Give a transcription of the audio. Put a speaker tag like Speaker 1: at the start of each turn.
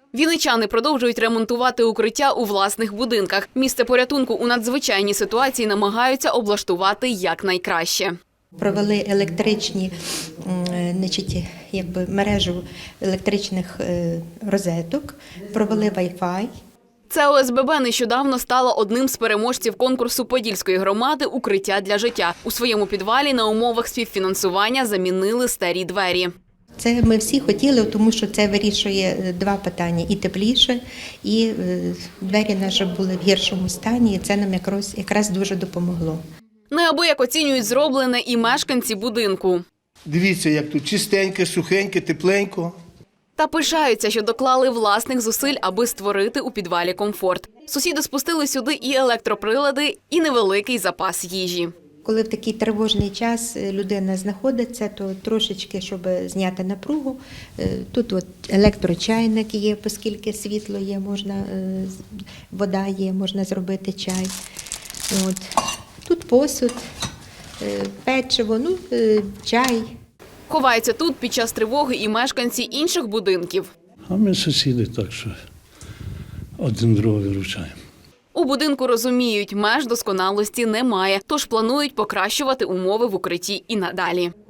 Speaker 1: Вінничани продовжують ремонтувати укриття у власних будинках. Місце порятунку у надзвичайній ситуації намагаються облаштувати якнайкраще.
Speaker 2: Провели електричні, мережу електричних розеток, провели Wi-Fi.
Speaker 1: Це ОСББ нещодавно стало одним з переможців конкурсу Подільської громади «Укриття для життя». У своєму підвалі на умовах співфінансування замінили старі двері.
Speaker 2: Це ми всі хотіли, тому що це вирішує два питання – і тепліше, і двері наші були в гіршому стані, і це нам якраз дуже допомогло.
Speaker 1: Неабияк оцінюють зроблене і мешканці будинку.
Speaker 3: Дивіться, як тут чистеньке, сухеньке, тепленько.
Speaker 1: Та пишаються, що доклали власних зусиль, аби створити у підвалі комфорт. Сусіди спустили сюди і електроприлади, і невеликий запас їжі.
Speaker 2: Коли в такий тривожний час людина знаходиться, то трошечки, щоб зняти напругу, тут от електрочайник є, оскільки світло є, вода є, можна зробити чай. Тут посуд, печиво, чай.
Speaker 1: Ховаються тут під час тривоги і мешканці інших будинків.
Speaker 4: А ми сусіди, так що один другого виручаємо.
Speaker 1: У будинку розуміють, меж досконалості немає, тож планують покращувати умови в укритті і надалі.